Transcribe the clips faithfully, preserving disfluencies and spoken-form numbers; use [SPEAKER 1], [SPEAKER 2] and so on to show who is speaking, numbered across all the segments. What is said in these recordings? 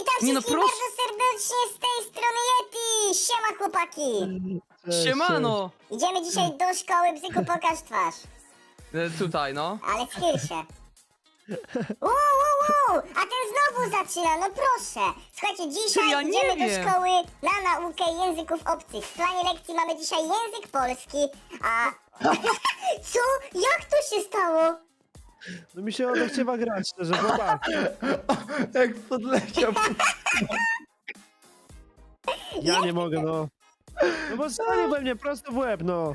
[SPEAKER 1] Nie no,
[SPEAKER 2] wszystkim
[SPEAKER 1] proszę.
[SPEAKER 2] bardzo serdecznie z tej strony Yeti! Siema chłopaki!
[SPEAKER 3] Cześć,
[SPEAKER 1] Siemano!
[SPEAKER 2] Idziemy dzisiaj do szkoły, Bzyku, pokaż twarz.
[SPEAKER 1] E, Tutaj, no.
[SPEAKER 2] Ale schyl się. Uuu, uuu, uuu, a ten znowu zaczyna, no proszę. Słuchajcie, dzisiaj
[SPEAKER 1] Ja nie
[SPEAKER 2] idziemy do
[SPEAKER 1] wiem.
[SPEAKER 2] szkoły na naukę języków obcych. W planie lekcji mamy dzisiaj język polski, a... Co? Jak to się stało?
[SPEAKER 3] No mi się odechciewa grać, szczerze, chłopak.
[SPEAKER 4] Jak podleciał.
[SPEAKER 3] Ja nie mogę, no. No bo stanie we mnie prosto w łeb, no.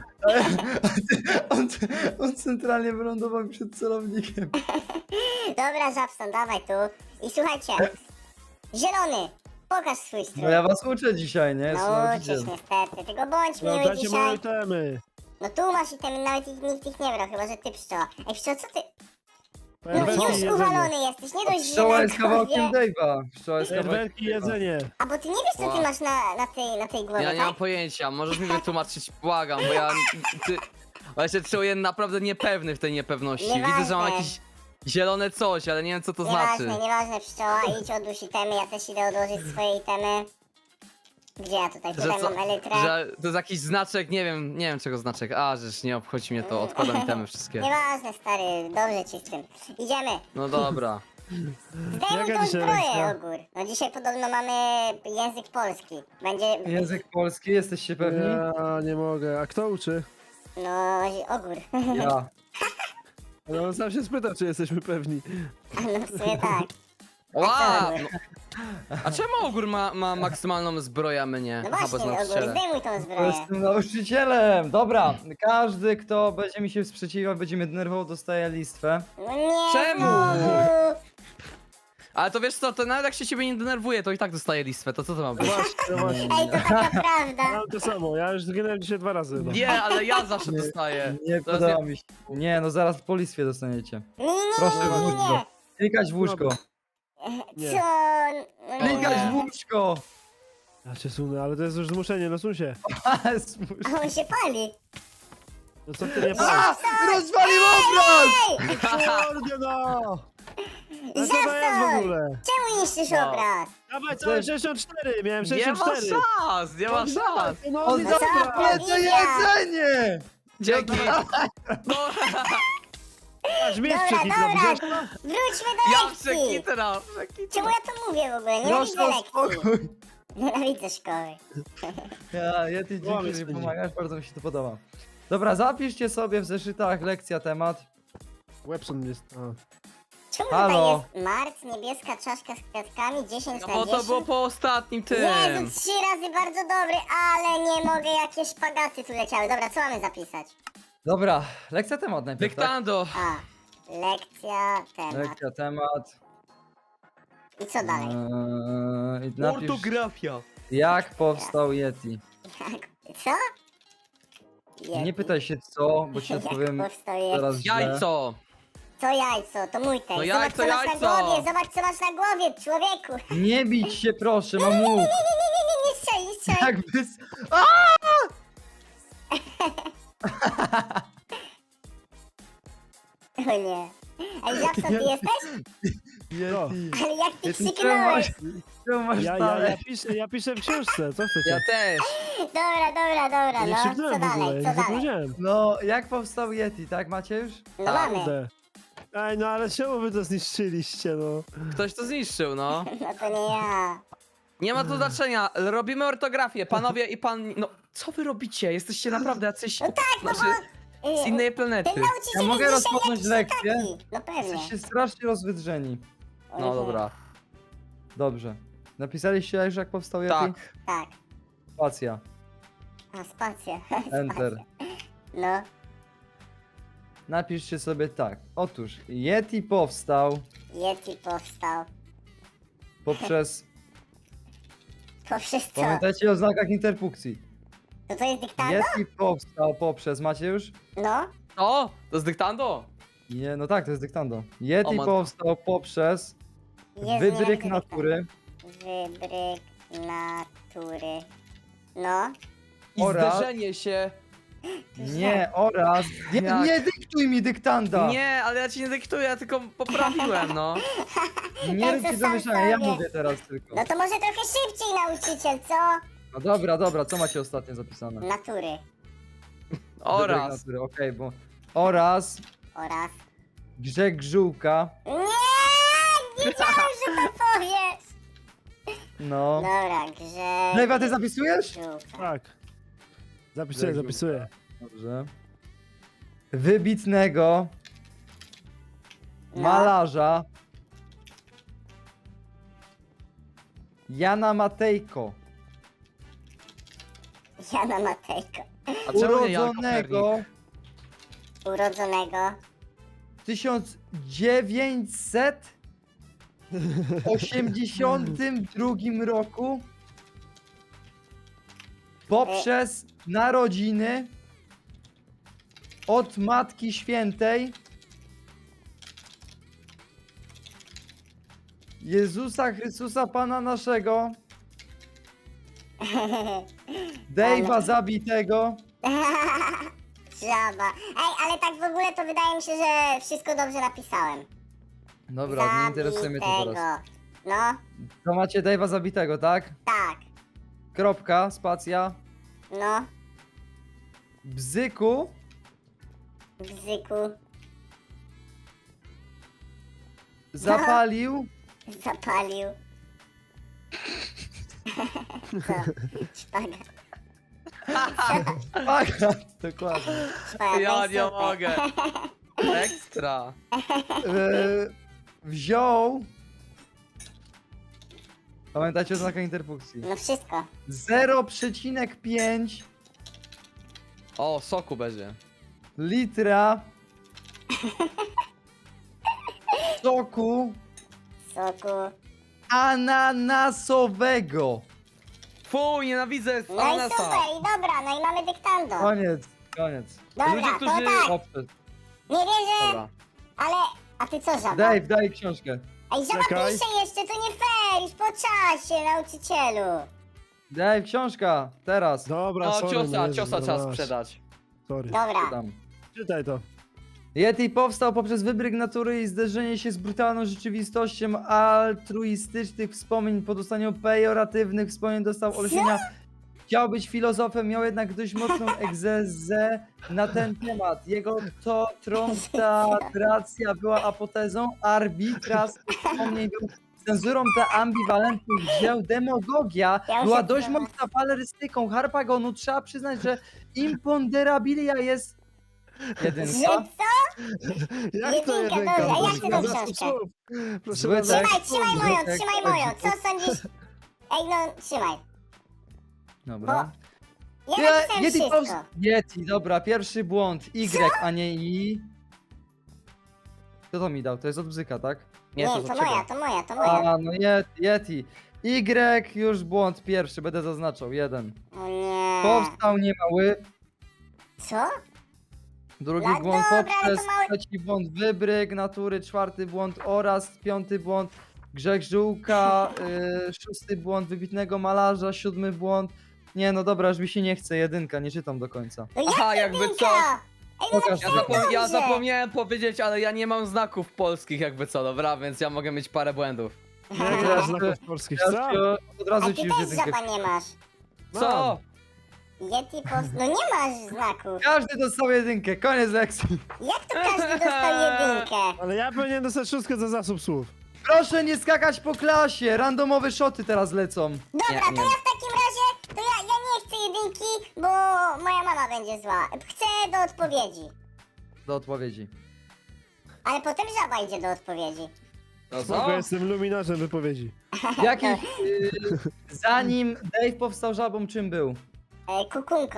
[SPEAKER 4] On, on centralnie wylądował przed celownikiem.
[SPEAKER 2] Dobra, Żabson, dawaj tu. I słuchajcie, zielony, pokaż swój strój.
[SPEAKER 4] No ja was uczę dzisiaj, nie? Jestem
[SPEAKER 2] No
[SPEAKER 4] nauczyciel.
[SPEAKER 2] uczysz niestety, tylko bądź
[SPEAKER 3] No
[SPEAKER 2] miły
[SPEAKER 3] dajcie moje
[SPEAKER 2] dzisiaj.
[SPEAKER 3] itemy.
[SPEAKER 2] No tu masz i ten, nawet ich, nikt ich nie brał, chyba że ty pszczoła. Ej pszczoła, co ty? No
[SPEAKER 3] Fajerwerki i
[SPEAKER 2] już
[SPEAKER 3] jedzenie.
[SPEAKER 2] uwalony jesteś, nie dość, że
[SPEAKER 4] Pszczoła
[SPEAKER 2] na
[SPEAKER 4] jest kawałkiem
[SPEAKER 2] głowie...
[SPEAKER 4] Dave'a. Pszczoła jest kawałkiem
[SPEAKER 3] Fajerwerki i jedzenie.
[SPEAKER 2] A bo ty nie wiesz co ty
[SPEAKER 1] Wow.
[SPEAKER 2] masz na, na, tej, na tej głowie,
[SPEAKER 1] Ja nie mam
[SPEAKER 2] tak?
[SPEAKER 1] pojęcia, możesz mi wytłumaczyć, błagam, bo ja... Ty, bo ja się czuję naprawdę niepewny w tej niepewności. Widzę, że mam
[SPEAKER 2] Nieważne.
[SPEAKER 1] jakieś zielone coś, ale nie wiem co to znaczy.
[SPEAKER 2] Nieważne, nieważne pszczoła, idź odłóż itemy, ja też idę odłożyć swoje itemy. Gdzie ja tutaj?
[SPEAKER 1] Że,
[SPEAKER 2] Tutaj
[SPEAKER 1] co,
[SPEAKER 2] mam elytrę.
[SPEAKER 1] że to jest jakiś znaczek, nie wiem, nie wiem czego znaczek. A, żeż nie obchodzi mnie to, odkładam itemy wszystkie.
[SPEAKER 2] Nieważne stary, dobrze ci z tym. Idziemy.
[SPEAKER 1] No dobra.
[SPEAKER 2] Zdejmuj
[SPEAKER 3] Jaka
[SPEAKER 2] tą
[SPEAKER 3] dzisiaj
[SPEAKER 2] zbroję,
[SPEAKER 3] lekcja?
[SPEAKER 2] Ogór. No dzisiaj podobno mamy język polski. Będzie...
[SPEAKER 4] Język polski, jesteście pewni?
[SPEAKER 3] Ja nie mogę. A kto uczy?
[SPEAKER 2] No, Ogór.
[SPEAKER 4] Ja.
[SPEAKER 3] No on sam się spytał, czy jesteśmy pewni.
[SPEAKER 2] No w sumie tak.
[SPEAKER 1] Ła! No. A czemu Ogór ma, ma maksymalną zbroję, a my nie?
[SPEAKER 2] No
[SPEAKER 1] Aha, bo
[SPEAKER 2] właśnie,
[SPEAKER 1] jest
[SPEAKER 2] Ogór,
[SPEAKER 1] nauczycielem.
[SPEAKER 2] zdejmuj tą
[SPEAKER 4] To
[SPEAKER 2] zbroję.
[SPEAKER 4] jestem nauczycielem. Dobra, każdy kto będzie mi się sprzeciwiał, będzie mnie denerwował, dostaje listwę.
[SPEAKER 2] No nie,
[SPEAKER 1] Czemu?
[SPEAKER 2] znowu.
[SPEAKER 1] Ale to wiesz co, to nawet jak się ciebie nie denerwuje, to i tak dostaje listwę, to co to ma być?
[SPEAKER 3] Właśnie, no właśnie.
[SPEAKER 2] Ej, to taka prawda.
[SPEAKER 3] Mam to samo, ja już zginąłem dzisiaj dwa razy. No.
[SPEAKER 1] Nie, ale ja zawsze dostaję.
[SPEAKER 4] Nie
[SPEAKER 1] To jest
[SPEAKER 4] podoba mi się. Nie, no zaraz po listwie dostaniecie.
[SPEAKER 2] Nie, nie, nie,
[SPEAKER 4] Proszę
[SPEAKER 2] nie,
[SPEAKER 4] w
[SPEAKER 2] nie, nie.
[SPEAKER 4] łóżko. Klikać w łóżko.
[SPEAKER 3] Nie.
[SPEAKER 2] Co? No
[SPEAKER 4] Klikać w
[SPEAKER 2] nie.
[SPEAKER 4] łóżko.
[SPEAKER 3] Ja cię sunę, ale to jest już zmuszenie, no sun się.
[SPEAKER 4] Ale smutno.
[SPEAKER 2] A on się pali.
[SPEAKER 3] No co ty nie patrz?
[SPEAKER 4] A! Rozwalił obraz!
[SPEAKER 2] Ej!
[SPEAKER 3] Kurde no! No co to jest w
[SPEAKER 2] Zasad!
[SPEAKER 3] ogóle?
[SPEAKER 2] Czemu niszczysz
[SPEAKER 1] No.
[SPEAKER 2] obraz?
[SPEAKER 3] Dawaj całe sześćdziesiąt cztery, miałem
[SPEAKER 1] Nie
[SPEAKER 3] sześćdziesiąt
[SPEAKER 1] ma
[SPEAKER 3] cztery.
[SPEAKER 1] szans, nie ma szans.
[SPEAKER 3] No
[SPEAKER 4] On
[SPEAKER 3] nie
[SPEAKER 2] za-
[SPEAKER 3] dobra.
[SPEAKER 4] zabrał to jedzenie!
[SPEAKER 1] Dzięki. No,
[SPEAKER 3] Aż mnie
[SPEAKER 2] Dobra,
[SPEAKER 3] przekipno,
[SPEAKER 2] dobra.
[SPEAKER 3] widziałeś to?
[SPEAKER 2] Wróćmy do
[SPEAKER 1] ja
[SPEAKER 2] lekcji.
[SPEAKER 1] przekitra,
[SPEAKER 2] Czemu
[SPEAKER 1] przekitra.
[SPEAKER 2] ja to mówię w ogóle? Nienawidzę
[SPEAKER 4] Proszę o
[SPEAKER 2] lekcji.
[SPEAKER 4] spokój.
[SPEAKER 2] Nienawidzę szkoły.
[SPEAKER 4] Ja, ja ty
[SPEAKER 3] Łamie
[SPEAKER 4] dzięki, że
[SPEAKER 3] spędzi.
[SPEAKER 4] pomagasz, bardzo mi się to podoba. Dobra, zapiszcie sobie w zeszytach lekcja temat.
[SPEAKER 3] Webson jest... A.
[SPEAKER 2] Czemu
[SPEAKER 4] Halo.
[SPEAKER 2] tutaj jest Mart, niebieska czaszka z kwiatkami, dziesięć
[SPEAKER 1] No
[SPEAKER 2] na
[SPEAKER 1] bo to
[SPEAKER 2] dziesięć?
[SPEAKER 1] było po ostatnim tym.
[SPEAKER 2] Jezu, trzy razy bardzo dobry, ale nie mogę, jakie szpagaty tu leciały. Dobra, co mamy zapisać?
[SPEAKER 4] Dobra, lekcja temat najpierw, tak?
[SPEAKER 1] Dyktando.
[SPEAKER 2] A, lekcja, temat.
[SPEAKER 4] Lekcja temat.
[SPEAKER 2] I co dalej?
[SPEAKER 4] Eee, i napisz,
[SPEAKER 1] Ortografia.
[SPEAKER 4] jak powstał Yeti.
[SPEAKER 2] Jak? Co? Jezu.
[SPEAKER 4] Nie pytaj się co, bo ci
[SPEAKER 2] Jak
[SPEAKER 4] odpowiem
[SPEAKER 2] powstał Yeti?
[SPEAKER 4] zaraz źle.
[SPEAKER 1] Jajco.
[SPEAKER 2] Co jajco? To mój tekst.
[SPEAKER 1] No
[SPEAKER 2] Zobacz,
[SPEAKER 1] jajco,
[SPEAKER 2] co masz
[SPEAKER 1] jajco.
[SPEAKER 2] na głowie, zobacz, co masz na głowie, człowieku.
[SPEAKER 4] Nie bić się proszę, mam
[SPEAKER 2] Nie,
[SPEAKER 4] łuk.
[SPEAKER 2] nie, nie, nie, nie, nie, nie strzelaj, nie strzelaj.
[SPEAKER 4] Jakby... s-
[SPEAKER 2] O nie. Ej, Jackson, ty jesteś?
[SPEAKER 4] Yeti.
[SPEAKER 2] Ale jak ty
[SPEAKER 4] Yeti, czemu
[SPEAKER 2] krzyknąłeś?
[SPEAKER 4] masz, czemu masz
[SPEAKER 3] Ja, ja,
[SPEAKER 4] dalej?
[SPEAKER 3] ja, piszę, ja piszę w książce, co chcecie?
[SPEAKER 1] Ja też.
[SPEAKER 2] Dobra, dobra, dobra,
[SPEAKER 3] nie
[SPEAKER 2] no. Co
[SPEAKER 3] krzyknąłem w ogóle,
[SPEAKER 2] dalej,
[SPEAKER 3] nie
[SPEAKER 2] co dalej?
[SPEAKER 3] zapomniałem.
[SPEAKER 4] No, jak powstał Yeti, tak macie już?
[SPEAKER 2] No mamy.
[SPEAKER 3] Kurde. Ej, no ale czemu wy to zniszczyliście, no?
[SPEAKER 1] Ktoś to zniszczył, no.
[SPEAKER 2] No to nie ja.
[SPEAKER 1] Nie ma to znaczenia, robimy ortografię, panowie i pan... No, co wy robicie? Jesteście naprawdę jacyś...
[SPEAKER 2] No tak, no
[SPEAKER 1] znaczy,
[SPEAKER 2] bo...
[SPEAKER 1] z innej
[SPEAKER 2] Ten
[SPEAKER 1] planety.
[SPEAKER 2] nauczyciel
[SPEAKER 4] Ja mogę
[SPEAKER 2] jest dzisiaj
[SPEAKER 4] rozpocząć
[SPEAKER 2] jakiś
[SPEAKER 4] lekcję?
[SPEAKER 2] taki. No pewnie.
[SPEAKER 4] Jesteście strasznie rozwydrzeni.
[SPEAKER 1] No dobra.
[SPEAKER 4] Dobrze. Napisaliście już jak powstał Yeti?
[SPEAKER 1] Tak.
[SPEAKER 2] Tak.
[SPEAKER 4] Spacja.
[SPEAKER 2] A, spacja.
[SPEAKER 4] Enter.
[SPEAKER 2] No.
[SPEAKER 4] Napiszcie sobie tak. Otóż Yeti powstał
[SPEAKER 2] Yeti powstał.
[SPEAKER 4] poprzez...
[SPEAKER 2] Poprzez co?
[SPEAKER 4] Pamiętajcie o znakach interpunkcji.
[SPEAKER 2] To to jest dyktando?
[SPEAKER 4] Yeti powstał poprzez... Macie już?
[SPEAKER 2] No.
[SPEAKER 1] O, to jest dyktando.
[SPEAKER 4] Nie, no tak, to jest dyktando.
[SPEAKER 1] O
[SPEAKER 4] Yeti
[SPEAKER 1] matko.
[SPEAKER 4] powstał poprzez
[SPEAKER 2] Jezu, nie
[SPEAKER 4] wybryk
[SPEAKER 2] wiem, jak
[SPEAKER 4] natury
[SPEAKER 2] Wybryk natury. No.
[SPEAKER 1] I
[SPEAKER 4] Oraz-
[SPEAKER 1] zderzenie się
[SPEAKER 4] Nie, oraz... Nie,
[SPEAKER 1] Jak?
[SPEAKER 4] nie dyktuj mi dyktanda!
[SPEAKER 1] Nie, ale ja ci nie dyktuję, ja tylko poprawiłem, no.
[SPEAKER 4] Nie rób
[SPEAKER 2] to
[SPEAKER 4] ci
[SPEAKER 2] sam
[SPEAKER 4] zamieszania, ja
[SPEAKER 2] sobie.
[SPEAKER 4] mówię teraz tylko.
[SPEAKER 2] No to może trochę szybciej nauczyciel, co?
[SPEAKER 4] No dobra, dobra, co macie ostatnio zapisane?
[SPEAKER 2] Natury
[SPEAKER 1] Oraz.
[SPEAKER 4] Wybryk natury, okej, bo... Oraz
[SPEAKER 2] oraz...
[SPEAKER 4] Grzeg Żółka,
[SPEAKER 2] Nie! Wiedziałem, że to powiesz!
[SPEAKER 4] no...
[SPEAKER 2] Dobra, grze...
[SPEAKER 4] Lewa, ty zapisujesz?
[SPEAKER 2] Żółka.
[SPEAKER 3] Tak. Zapisuję,
[SPEAKER 4] Grzeg
[SPEAKER 3] zapisuję.
[SPEAKER 4] Dobrze. Wybitnego
[SPEAKER 2] No.
[SPEAKER 4] malarza Jana Matejko,
[SPEAKER 2] Jana Matejko.
[SPEAKER 1] A czemu nie Jan Kopernik?
[SPEAKER 4] urodzonego
[SPEAKER 2] Urodzonego...
[SPEAKER 4] w tysiąc dziewięćset osiemdziesiątym drugim roku poprzez narodziny od Matki Świętej Jezusa Chrystusa Pana naszego, Dave'a zabitego.
[SPEAKER 2] Żaba. Ej, ale tak w ogóle to wydaje mi się, że wszystko dobrze napisałem.
[SPEAKER 4] Dobra, nie interesuje mnie to teraz.
[SPEAKER 2] Zabitego. No,
[SPEAKER 4] To macie Dave'a zabitego, tak?
[SPEAKER 2] tak.
[SPEAKER 4] Kropka, spacja.
[SPEAKER 2] No,
[SPEAKER 4] Bzyku
[SPEAKER 2] bzyku.
[SPEAKER 4] zapalił
[SPEAKER 2] Zapalił. Co? Szpagat.
[SPEAKER 4] szpagat, dokładnie.
[SPEAKER 2] Szpagat.
[SPEAKER 1] Ja
[SPEAKER 2] no i
[SPEAKER 1] nie
[SPEAKER 2] super.
[SPEAKER 1] mogę. Ekstra.
[SPEAKER 4] E, wziął. Pamiętajcie o znakach interpunkcji.
[SPEAKER 2] No wszystko.
[SPEAKER 4] zero przecinek pięć
[SPEAKER 1] O, soku będzie.
[SPEAKER 4] litra soku
[SPEAKER 2] Soku.
[SPEAKER 4] ananasowego.
[SPEAKER 1] Fuj, nienawidzę
[SPEAKER 2] No i
[SPEAKER 1] ananasa.
[SPEAKER 2] super, i dobra, no i mamy dyktando.
[SPEAKER 4] Koniec, koniec.
[SPEAKER 2] Dobra,
[SPEAKER 1] Ludzie,
[SPEAKER 2] to
[SPEAKER 1] którzy-
[SPEAKER 2] tak.
[SPEAKER 4] Dobrze.
[SPEAKER 2] Nie wierzę,
[SPEAKER 1] Dobra.
[SPEAKER 2] ale... A ty co, żaba?
[SPEAKER 4] Dave, daj książkę.
[SPEAKER 2] Ej, żaba
[SPEAKER 3] Czekaj.
[SPEAKER 2] pisze jeszcze, to nie fair, już po czasie, nauczycielu.
[SPEAKER 4] Dave, książka, teraz.
[SPEAKER 3] Dobra,
[SPEAKER 1] No,
[SPEAKER 3] sorry,
[SPEAKER 1] ciosa,
[SPEAKER 3] no Jezu,
[SPEAKER 1] ciosa trzeba
[SPEAKER 3] dobra.
[SPEAKER 1] sprzedać.
[SPEAKER 3] Sorry.
[SPEAKER 2] Dobra.
[SPEAKER 4] Tam.
[SPEAKER 3] Czytaj to.
[SPEAKER 4] Yeti powstał poprzez wybryk natury i zderzenie się z brutalną rzeczywistością altruistycznych wspomnień. Po dostaniu pejoratywnych wspomnień dostał olśnienia. Chciał być filozofem, miał jednak dość mocną egzezę na ten temat. Jego to trontatracja była apotezą, arbitraz wspomnień był cenzurą dla ambiwalentnych dzieł, demagogia
[SPEAKER 2] Ja
[SPEAKER 4] była
[SPEAKER 2] muszę
[SPEAKER 4] dość
[SPEAKER 2] teraz-
[SPEAKER 4] mocna walerystyką Harpagonu. Trzeba przyznać, że imponderabilia jest
[SPEAKER 2] Że
[SPEAKER 4] jedynka.
[SPEAKER 2] co?
[SPEAKER 3] Jak to
[SPEAKER 2] Jedynka,
[SPEAKER 3] jedynka?
[SPEAKER 2] dobrze, a jak
[SPEAKER 3] Proszę
[SPEAKER 2] ty tą
[SPEAKER 3] bardzo,
[SPEAKER 2] książkę?
[SPEAKER 3] słów. Proszę
[SPEAKER 4] Zły
[SPEAKER 3] bardzo.
[SPEAKER 4] tekst.
[SPEAKER 2] Trzymaj, trzymaj moją,
[SPEAKER 4] Zbytek,
[SPEAKER 2] trzymaj moją, co sądzisz? Ej, no, trzymaj.
[SPEAKER 4] Dobra.
[SPEAKER 2] Ja
[SPEAKER 4] Nie,
[SPEAKER 2] napisałem
[SPEAKER 4] Yeti,
[SPEAKER 2] wszystko.
[SPEAKER 4] pows- Yeti, dobra, pierwszy błąd. Y, a nie I. Kto to mi dał? To jest od bzyka, tak?
[SPEAKER 1] Nie,
[SPEAKER 2] Nie,
[SPEAKER 1] to
[SPEAKER 2] to
[SPEAKER 1] za ciebie.
[SPEAKER 2] moja, to moja, to moja.
[SPEAKER 4] A, no Yeti, Yeti. Y, już błąd pierwszy, będę zaznaczał, jeden.
[SPEAKER 2] O nie.
[SPEAKER 4] Powstał niemały.
[SPEAKER 2] Co?
[SPEAKER 4] Drugi
[SPEAKER 2] No
[SPEAKER 4] błąd
[SPEAKER 2] dobra, ale
[SPEAKER 4] poprzez,
[SPEAKER 2] to mały-
[SPEAKER 4] trzeci błąd wybryk natury, czwarty błąd oraz, piąty błąd grzech żółka, y, szósty błąd wybitnego malarza, siódmy błąd. Nie, no dobra, już mi się nie chce, jedynka, nie czytam do końca.
[SPEAKER 2] No
[SPEAKER 1] Aha,
[SPEAKER 2] jak
[SPEAKER 1] jakby
[SPEAKER 2] jedynka?
[SPEAKER 1] co?
[SPEAKER 2] Ej, no
[SPEAKER 4] Pokaż
[SPEAKER 1] Ja,
[SPEAKER 4] to.
[SPEAKER 1] zapom ja
[SPEAKER 2] dobrze.
[SPEAKER 1] zapomniałem powiedzieć, ale ja nie mam znaków polskich jakby co, dobra, więc ja mogę mieć parę błędów.
[SPEAKER 3] Nie
[SPEAKER 4] Ja-
[SPEAKER 3] masz znaków polskich,
[SPEAKER 4] Ja
[SPEAKER 3] co?
[SPEAKER 4] ci od razu
[SPEAKER 2] A
[SPEAKER 4] ci
[SPEAKER 2] ty
[SPEAKER 4] już
[SPEAKER 2] też
[SPEAKER 4] jedynkę.
[SPEAKER 2] żaba nie masz.
[SPEAKER 1] Co?
[SPEAKER 2] Yeti post... No nie masz znaków.
[SPEAKER 4] Każdy dostał jedynkę, koniec lekcji.
[SPEAKER 2] Jak to każdy dostał jedynkę?
[SPEAKER 3] Ale ja powinienem dostać szóstkę za zasób słów.
[SPEAKER 4] Proszę nie skakać po klasie, randomowe szoty teraz lecą.
[SPEAKER 2] Dobra,
[SPEAKER 1] Nie,
[SPEAKER 2] to
[SPEAKER 1] nie.
[SPEAKER 2] ja w takim razie, to ja, ja nie chcę jedynki, bo moja mama będzie zła. Chcę do odpowiedzi.
[SPEAKER 4] Do odpowiedzi.
[SPEAKER 2] Ale potem żaba idzie do odpowiedzi.
[SPEAKER 1] No
[SPEAKER 3] Spoko,
[SPEAKER 1] co?
[SPEAKER 3] jestem luminarzem wypowiedzi.
[SPEAKER 4] Jaki, y, zanim Dave powstał żabą, czym był?
[SPEAKER 2] E, kukunką.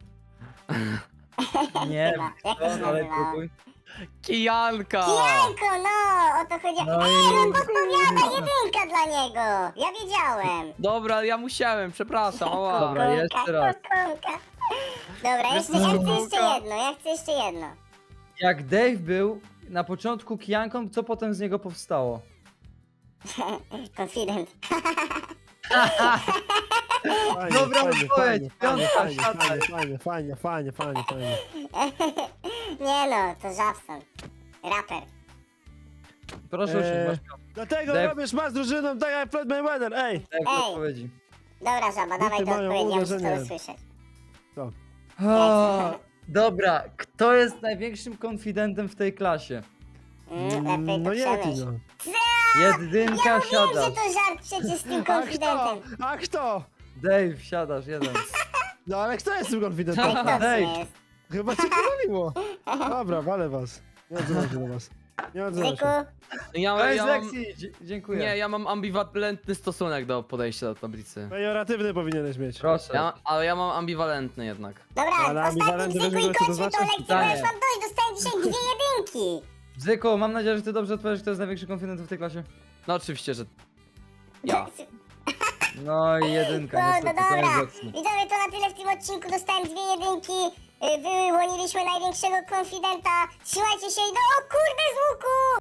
[SPEAKER 4] Nie
[SPEAKER 2] Chyba. Jak to się
[SPEAKER 4] wiem, ale
[SPEAKER 2] nazywa?
[SPEAKER 4] próbuj.
[SPEAKER 1] Kijanka!
[SPEAKER 2] Kijanko, no, o to chodzi.
[SPEAKER 4] No
[SPEAKER 2] Ej,
[SPEAKER 4] i-
[SPEAKER 2] no podpowiada jedynka dla niego. Ja wiedziałem.
[SPEAKER 1] Dobra, ja musiałem, przepraszam, ała.
[SPEAKER 4] Dobra,
[SPEAKER 2] Kukunka,
[SPEAKER 4] jeszcze raz.
[SPEAKER 2] kukunka. Dobra, jeszcze, ja chcę jeszcze jedno, ja chcę jeszcze jedno.
[SPEAKER 4] Jak Dave był na początku kijanką, co potem z niego
[SPEAKER 2] No,
[SPEAKER 4] powstało?
[SPEAKER 2] Confident.
[SPEAKER 3] Fajnie,
[SPEAKER 4] Dobra
[SPEAKER 3] fajnie,
[SPEAKER 4] odpowiedź,
[SPEAKER 3] fajnie,
[SPEAKER 4] piątka,
[SPEAKER 3] fajnie,
[SPEAKER 4] siadaj.
[SPEAKER 3] fajnie, fajnie, fajnie, fajnie, fajnie.
[SPEAKER 2] Nie no, to Żabson. Raper.
[SPEAKER 4] Proszę usiąść,
[SPEAKER 3] Eee,
[SPEAKER 4] masz piątkę.
[SPEAKER 3] Dlatego
[SPEAKER 4] Dep-
[SPEAKER 3] robisz ma z drużyną tak jak Floyd Mayweather, ej!
[SPEAKER 4] Daj
[SPEAKER 2] Ej.
[SPEAKER 4] odpowiedzi.
[SPEAKER 2] Dobra, Żaba, dawaj te
[SPEAKER 3] mają
[SPEAKER 2] odpowiedzi, ja muszę
[SPEAKER 3] uderzenie.
[SPEAKER 2] to usłyszeć.
[SPEAKER 4] O, dobra, kto jest największym konfidentem w tej klasie?
[SPEAKER 2] Mm, lepiej to
[SPEAKER 3] No Yeti,
[SPEAKER 2] przemyśl.
[SPEAKER 3] no.
[SPEAKER 4] Jedynka,
[SPEAKER 2] Ja mówiłem,
[SPEAKER 4] siadasz.
[SPEAKER 2] że to żart przecież z tym
[SPEAKER 3] A kto?
[SPEAKER 2] konfidentem.
[SPEAKER 3] A kto?
[SPEAKER 4] Dave, siadasz, jeden.
[SPEAKER 3] No ale kto jest tym konfidentem?
[SPEAKER 2] To
[SPEAKER 4] Dave.
[SPEAKER 2] nie jest.
[SPEAKER 3] Chyba cię pomyliło. Dobra, walę was. Nie odzywam się do was. Nie odzywam
[SPEAKER 2] Zyku,
[SPEAKER 3] się.
[SPEAKER 1] Ja,
[SPEAKER 4] Koniec
[SPEAKER 1] ja mam,
[SPEAKER 4] lekcji, dzie- dziękuję.
[SPEAKER 1] nie, ja mam ambiwalentny stosunek do podejścia do tablicy.
[SPEAKER 3] Pejoratywny powinieneś mieć.
[SPEAKER 4] Proszę.
[SPEAKER 1] Ja, ale ja mam ambiwalentny jednak.
[SPEAKER 2] dobra,
[SPEAKER 3] Ale
[SPEAKER 2] ostatni
[SPEAKER 3] ambiwalenty
[SPEAKER 2] Zyku
[SPEAKER 3] wiesz,
[SPEAKER 2] i
[SPEAKER 3] co to
[SPEAKER 2] kończmy tą
[SPEAKER 3] znaczy?
[SPEAKER 2] lekcję, bo ja już
[SPEAKER 4] Pytanie.
[SPEAKER 2] mam dość, dostałem dzisiaj dwie jedynki.
[SPEAKER 4] Zyku, mam nadzieję, że ty dobrze odpowiesz, kto jest największym konfidentem w tej klasie.
[SPEAKER 1] No oczywiście, że ja.
[SPEAKER 4] No i jedynka,
[SPEAKER 2] No, no
[SPEAKER 4] niestety, koniec
[SPEAKER 2] dobra.
[SPEAKER 4] lekcji.
[SPEAKER 2] Widzowie, to na tyle w tym odcinku. Dostałem dwie jedynki. y, Wyłoniliśmy największego konfidenta. Trzymajcie się i do... O kurde, z łuku!